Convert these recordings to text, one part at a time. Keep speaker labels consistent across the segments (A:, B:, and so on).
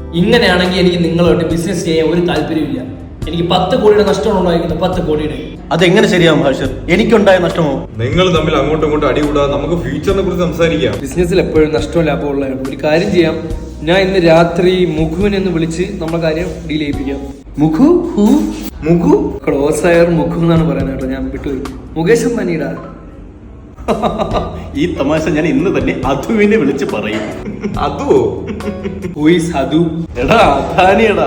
A: ഇങ്ങനെയാണെങ്കിൽ എനിക്ക് നിങ്ങളുമായിട്ട് ബിസിനസ് ചെയ്യാൻ ഒരു താല്പര്യമില്ല. എനിക്ക് 10 കോടിയുടെ നഷ്ടമാണ് ഉണ്ടായിരിക്കുന്നത്. 10 കോടിയുടെ.
B: അതെങ്ങനെ ശരിയാവും ഹാഷിർ? എനിക്കുണ്ടായ നഷ്ടമോ?
C: നിങ്ങൾ തമ്മിൽ അങ്ങോട്ടും ഇങ്ങോട്ടും അടികൂടാതെ നമുക്ക് ഫ്യൂച്ചറിനെ കുറിച്ച് സംസാരിക്കാം.
A: ബിസിനസ്സിൽ എപ്പോഴും നഷ്ടവും ലാഭവും ഉള്ളതാണ്. ഒരു കാര്യം ചെയ്യാം, ഞാൻ ഇന്ന് രാത്രി മുഖുവിനെ ഒന്ന് വിളിച്ച് നമ്മളെ കാര്യം ഡീൽ ചെയ്യിപ്പിക്കാം.
B: മുഖു മുഖു
A: ക്ലോസ് ആയർ മുഖു എന്നാണ് പറയുന്നത് കേട്ടോ, ഞാൻ വിട്ടുപോയി. മുകേഷ് അംബാനിയുടെ.
B: ഈ തമാശ ഞാൻ ഇന്ന് തന്നെ അധുവിനെ വിളിച്ച് പറയും.
C: അതോ
A: അതു
B: എടാ അധാനിയടാ.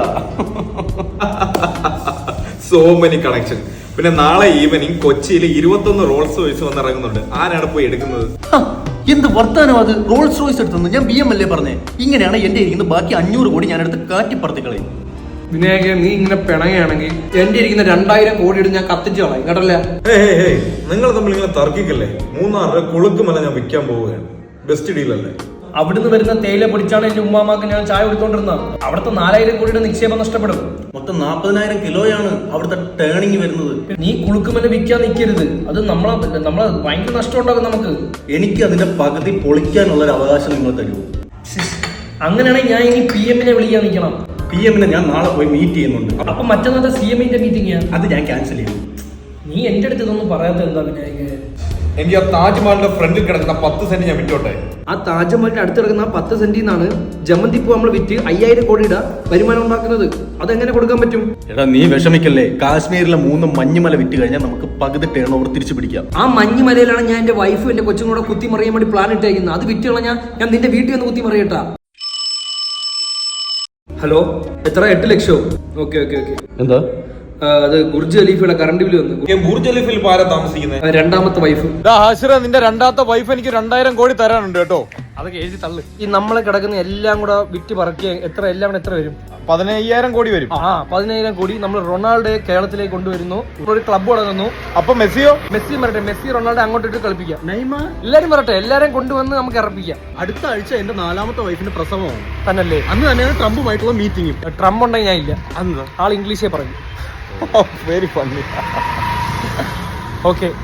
C: So many connection. പിന്നെ നാളെ ഈവനിങ് കൊച്ചിയിൽ 21 റോൾസ് റോയ്സ് വന്നിറങ്ങുന്നുണ്ട്. ആരാണ് പോയി എടുക്കുന്നത്?
B: എന്ത് വർത്താനം അത്? റോൾസ് റോയ്സ് എടുത്തു? ഞാൻ BM അല്ലേ പറഞ്ഞേ. ഇങ്ങനെയാണ് എന്റെ ഇരിക്കുന്നത്. ബാക്കി 500 കോടി ഞാൻ എടുത്ത് കാറ്റിപ്പറത്തിക്കളയും.
A: വിനായക, നീ ഇങ്ങനെ പിണങ്ങുകയാണെങ്കിൽ എന്റെ ഇരിക്കുന്ന 2000 കോടിയുടെ ഞാൻ കത്തിച്ചു കളയും കേട്ടല്ലേ.
C: നിങ്ങൾ തമ്മിൽ ഇങ്ങനെ തർക്കിക്കല്ലേ. 3 രൂപ കുളുക്കുമല്ല ഞാൻ വിൽക്കാൻ പോവുകയാണ്. ബെസ്റ്റ് ഡീൽ അല്ലേ?
A: അവിടുന്ന് വരുന്ന തേയില പൊടിച്ചാണ് എന്റെ ഉമ്മാമാക്ക് ഞാൻ ചായ കൊടുത്തോണ്ടിരുന്നത്. അവിടുത്തെ 4000 കോടിയുടെ നിക്ഷേപം നഷ്ടപ്പെടും.
B: മൊത്തം 40,000 കിലോയാണ് അവിടുത്തെ ടേണിങ് വരുന്നത്.
A: നീ കുളുക്കുമല്ല വിൽക്കാൻ നിൽക്കരുത്. അത് നമ്മളെ ഭയങ്കര നഷ്ടം ഉണ്ടാകും നമുക്ക്. എനിക്ക്
B: അതിന്റെ പകുതി പൊളിക്കാനുള്ള ഒരു അവകാശം നിങ്ങൾ തരൂ.
A: അങ്ങനെയാണെങ്കിൽ ഞാൻ ഇനി PM-നെ വിളിക്കാൻ നിൽക്കണം.
B: PM-നെ ഞാൻ നാളെ പോയി മീറ്റ് ചെയ്യുന്നുണ്ട്.
A: അപ്പൊ മറ്റന്നാളത്തെ CM-ന്റെ മീറ്റിംഗ്
B: അത് ഞാൻ ക്യാൻസൽ ചെയ്യും.
A: നീ എന്റെ അടുത്ത് ഇതൊന്നും പറയാത്ത എന്താ വിനായക?
C: എനിക്ക് ആ താജ്മഹലിന്റെ ഫ്രണ്ടിൽ കിടക്കുന്ന 10 സെന്റ് ഞാൻ വിറ്റോട്ടെ.
A: ആ താജ്മഹലിന്റെ അടുത്ത് കിടക്കുന്ന 10 സെന്റിൽ നിന്നാണ് ജമന്തിപ്പൂ നമ്മൾ വിറ്റ് 5000 കോടിയുടെ വരുമാനം ഉണ്ടാക്കുന്നത്. അതെങ്ങനെ കൊടുക്കാൻ പറ്റും?
B: എടാ നീ വിഷമിക്കല്ലേ. കാശ്മീരിലെ 3 മഞ്ഞുമല വിറ്റ് കഴിഞ്ഞാൽ നമുക്ക് പകുതി ടേൺ ഓവർ തിരിച്ചു പിടിക്കാം.
A: ആ മഞ്ഞുമലയിലാണ് ഞാൻ എന്റെ വൈഫും എന്റെ കൊച്ചും കൂടെ കുത്തി മറിയാൻ വേണ്ടി പ്ലാൻ ഇട്ടേക്കുന്നത്. അത് വിറ്റ് കളഞ്ഞാൽ ഞാൻ നിന്റെ വീട്ടിൽ ഒന്ന് കുത്തി മറിയട്ടാ. ഹലോ, എത്ര? 8 ലക്ഷം. ഓക്കെ.
B: എന്താ
A: അത് ബുർജ് ഖലീഫയുടെ കറണ്ട് ബില്ല് വന്നു.
C: ബുർജ് ഖലീഫയിൽ ആരാ താമസിക്കുന്നത്?
A: രണ്ടാമത്തെ വൈഫ്.
C: നിന്റെ രണ്ടാമത്തെ വൈഫ് എനിക്ക് 2000 കോടി തരാനുണ്ട് കേട്ടോ.
A: അതൊക്കെ എഴുതി തള്ളു. ഈ നമ്മളെ കിടക്കുന്ന എല്ലാം കൂടെ വിറ്റ് പറക്കിയ എല്ലാം കൂടെ എത്ര വരും?
C: 15,000 കോടി വരും.
A: 15,000 കോടി. നമ്മൾ റൊണാൾഡോയെ കേരളത്തിലേക്ക് കൊണ്ടുവരുന്നു. ഒരു ക്ലബ്ബ് തുടങ്ങുന്നു.
C: അപ്പൊ മെസ്സി വരട്ടെ.
A: മെസ്സി റൊണാൾഡോ അങ്ങോട്ട് ഇട്ട് കളിപ്പിക്കാം.
B: നെയ്മർ
A: എല്ലാരും വരട്ടെ. എല്ലാരും കൊണ്ടുവന്ന് നമുക്ക് ഇറപ്പിക്കാം.
B: അടുത്ത ആഴ്ച എന്റെ 4ാമത്തെ വൈഫിന്റെ പ്രസവമാണ്.
A: തന്നല്ലേ?
B: അന്ന് തന്നെയാണ് ട്രംപുമായിട്ടുള്ള മീറ്റിംഗും.
A: ട്രംപ് ഉണ്ടെങ്കിൽ ഞാൻ ഇല്ല.
B: അന്ന്
A: ആൾ ഇംഗ്ലീഷേ പറഞ്ഞു.
C: Very funny.
A: ഓക്കെ,